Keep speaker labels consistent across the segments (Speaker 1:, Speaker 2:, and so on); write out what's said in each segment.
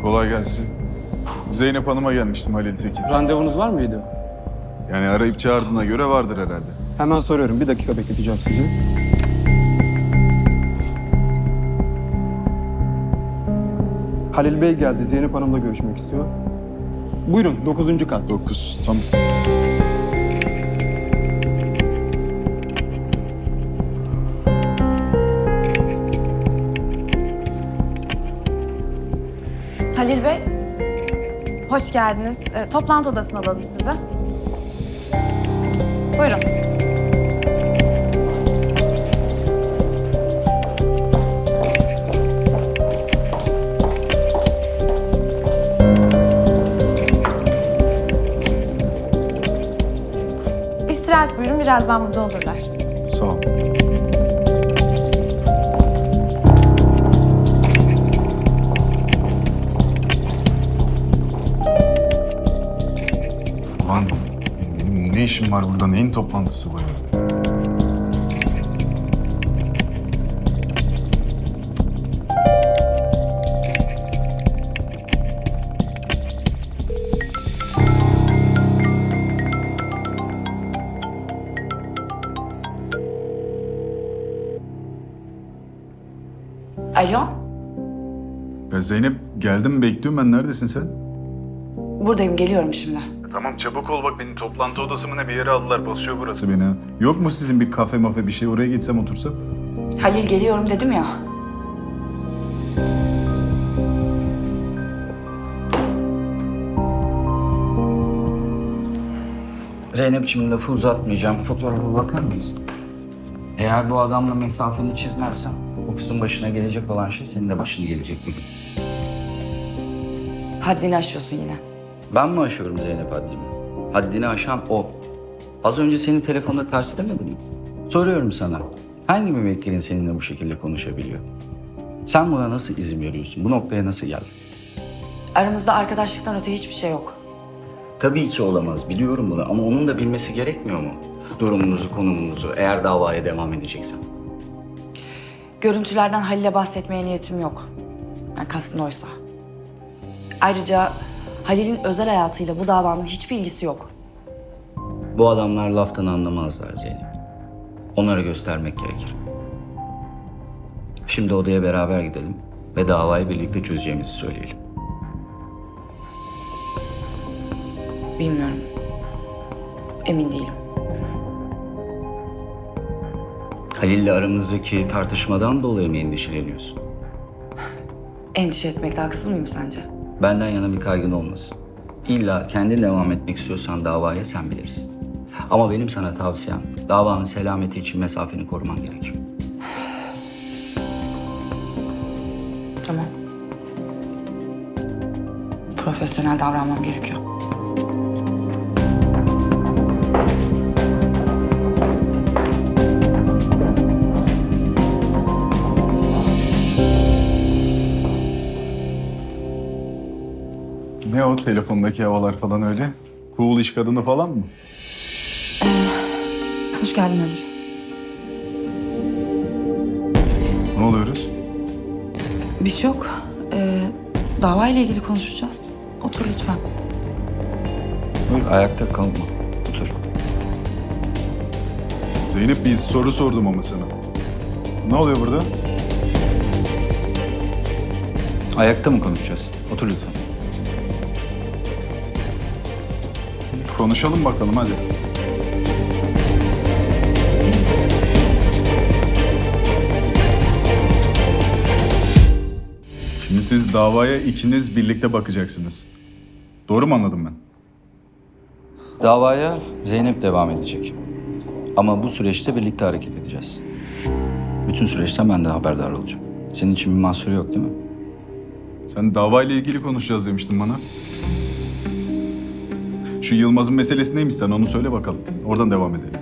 Speaker 1: Kolay gelsin. Zeynep Hanım'a gelmiştim, Halil Tekin.
Speaker 2: Randevunuz var mıydı?
Speaker 1: Yani arayıp çağırdığına göre vardır herhalde.
Speaker 2: Hemen soruyorum. Bir dakika bekleteceğim sizi. Halil Bey geldi. Zeynep Hanım'la görüşmek istiyor. Buyurun, 9. kat.
Speaker 1: 9, tamam.
Speaker 3: Halil Bey, hoş geldiniz. Toplantı odasına alalım sizi. Buyurun. İstirahat buyurun, birazdan burada olurlar.
Speaker 1: Sağ ol. Lan ne işin var burada? Neyin toplantısı bu ya?
Speaker 4: Alo,
Speaker 1: Ya Zeynep, geldim bekliyorum ben. Neredesin sen?
Speaker 4: buradayım, geliyorum şimdi.
Speaker 1: Tamam çabuk ol, bak beni toplantı odası mı ne bir yere aldılar. Basıyor burası beni ha. Yok mu sizin bir kafe mafe bir şey, oraya gitsem otursam?
Speaker 4: Halil geliyorum dedim ya.
Speaker 5: Zeynep'ciğim lafı uzatmayacağım. Fotoğrafa bakar mısın? Eğer bu adamla mesafeni çizmezsen o kızın başına gelecek olan şey senin de başına gelecek bir gün.
Speaker 4: Haddini aşıyorsun yine.
Speaker 5: Ben mi aşıyorum Zeynep haddimi? Haddini aşan o. Az önce seni telefonda ters demedim mi? Soruyorum sana. Hangi müvekkilin seninle bu şekilde konuşabiliyor? Sen buna nasıl izin veriyorsun? Bu noktaya nasıl geldin?
Speaker 4: Aramızda arkadaşlıktan öte hiçbir şey yok.
Speaker 5: Tabii ki olamaz. Biliyorum bunu ama onun da bilmesi gerekmiyor mu? Durumunuzu, konumunuzu eğer davaya devam edeceksen.
Speaker 4: Görüntülerden Halil'e bahsetmeye niyetim yok. Yani kastın oysa. Ayrıca Halil'in özel hayatıyla bu davanın hiçbir ilgisi yok.
Speaker 5: Bu adamlar laftan anlamazlar Zeynep. Onlara göstermek gerekir. Şimdi odaya beraber gidelim ve davayı birlikte çözeceğimizi söyleyelim.
Speaker 4: Bilmiyorum. Emin değilim.
Speaker 5: Halil'le aramızdaki tartışmadan dolayı mı endişeleniyorsun?
Speaker 4: Endişe etmekte haksız mıyım sence?
Speaker 5: Benden yana bir kaygın olmasın. İlla kendin devam etmek istiyorsan davaya sen bilirsin. Ama benim sana tavsiyem davanın selameti için mesafeni koruman gerekir.
Speaker 4: Tamam. Profesyonel davranmam gerekiyor.
Speaker 1: Ne o telefondaki havalar falan öyle? Cool iş kadını falan mı?
Speaker 4: Hoş geldin Halil.
Speaker 1: Ne oluyoruz?
Speaker 4: Bir şey yok. Davayla ilgili konuşacağız. Otur lütfen.
Speaker 5: Buyur, ayakta kalma. Otur.
Speaker 1: Zeynep, bir soru sordum ama sana. Ne oluyor burada?
Speaker 5: Ayakta mı konuşacağız? Otur lütfen.
Speaker 1: Konuşalım bakalım hadi. Şimdi siz davaya ikiniz birlikte bakacaksınız. Doğru mu anladım ben?
Speaker 5: Davaya Zeynep devam edecek. Ama bu süreçte birlikte hareket edeceğiz. Bütün süreçten ben de haberdar olacağım. Senin için bir mahsuru yok değil mi?
Speaker 1: Sen davayla ilgili konuşacağız demiştin bana. Şu Yılmaz'ın meselesi neymiş, sen onu söyle bakalım. Oradan devam edelim.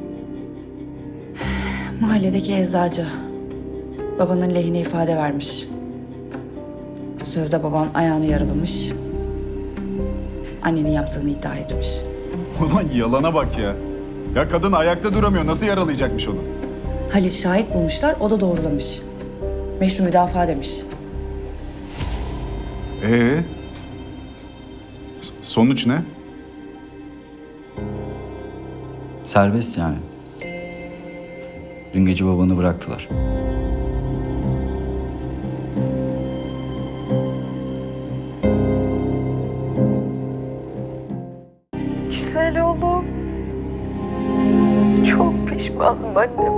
Speaker 4: Mahalledeki eczacı. Babanın lehine ifade vermiş. Sözde baban ayağını yaralamış. Annenin yaptığını iddia etmiş.
Speaker 1: Ulan yalana bak ya. Ya kadın ayakta duramıyor. Nasıl yaralayacakmış onu?
Speaker 4: Halil şahit bulmuşlar, o da doğrulamış. Meşru müdafaa demiş.
Speaker 1: Sonuç ne?
Speaker 5: Serbest yani. Dün gece babanı bıraktılar.
Speaker 6: Güzel oğlum. Çok pişmanım annem.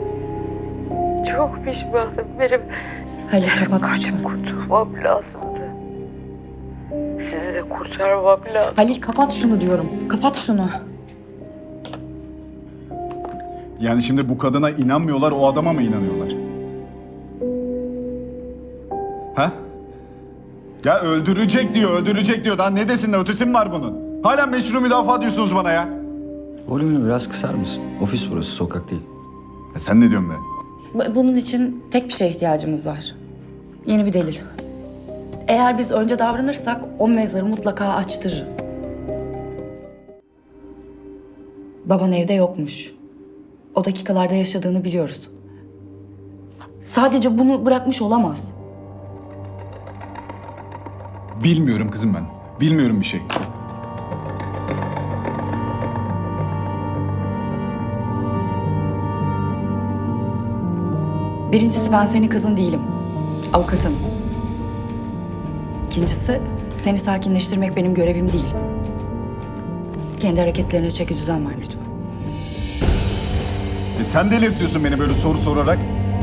Speaker 6: Çok pişmanım. Benim
Speaker 4: Halil kapat lütfen.
Speaker 6: kaçıp kurtulmam lazımdı. Sizi de kurtarmam lazım.
Speaker 4: Halil kapat şunu diyorum. Kapat şunu.
Speaker 1: Yani şimdi bu kadına inanmıyorlar, o adama mı inanıyorlar? Ha? Ya öldürecek diyor, öldürecek diyor. Daha ne desin de ötesi mi var bunun? Hala meşru müdafaa diyorsunuz bana ya.
Speaker 5: Volümünü biraz kısar mısın? Ofis burası, sokak değil.
Speaker 1: Ya sen ne diyorsun be?
Speaker 4: Bunun için tek bir şeye ihtiyacımız var. Yeni bir delil. Eğer biz önce davranırsak o mezarı mutlaka açtırırız. Baban evde yokmuş. O dakikalarda yaşadığını biliyoruz. Sadece bunu bırakmış olamaz.
Speaker 1: Bilmiyorum kızım ben. Bilmiyorum bir şey.
Speaker 4: Birincisi ben senin kızın değilim. Avukatın. İkincisi seni sakinleştirmek benim görevim değil. Kendi hareketlerine çeki düzen ver lütfen.
Speaker 1: Sen delirtiyorsun beni böyle soru sorarak.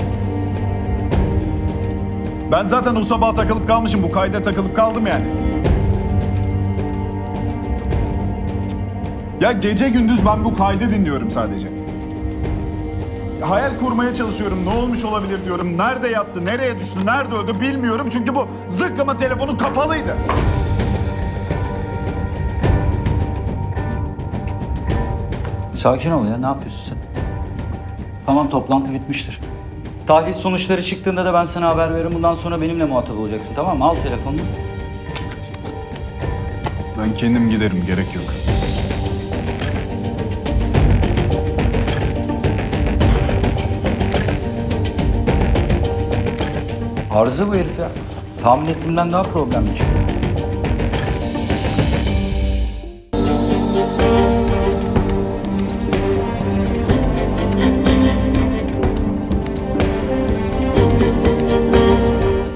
Speaker 1: Ben zaten o sabah takılıp kalmışım. Bu kayda takılıp kaldım yani. Ya gece gündüz ben bu kaydı dinliyorum sadece. Hayal kurmaya çalışıyorum. Ne olmuş olabilir diyorum. Nerede yattı, nereye düştü, nerede öldü bilmiyorum. Çünkü bu zıkkımın telefonu kapalıydı.
Speaker 5: Sakin ol ya, ne yapıyorsun sen? Tamam, toplantı bitmiştir. Tahlil sonuçları çıktığında da ben sana haber veririm. Bundan sonra benimle muhatap olacaksın, tamam mı? Al telefonunu.
Speaker 1: Ben kendim giderim, gerek yok.
Speaker 5: Arıza bu herif ya. Tahmin ettiğimden daha problemli çıktı.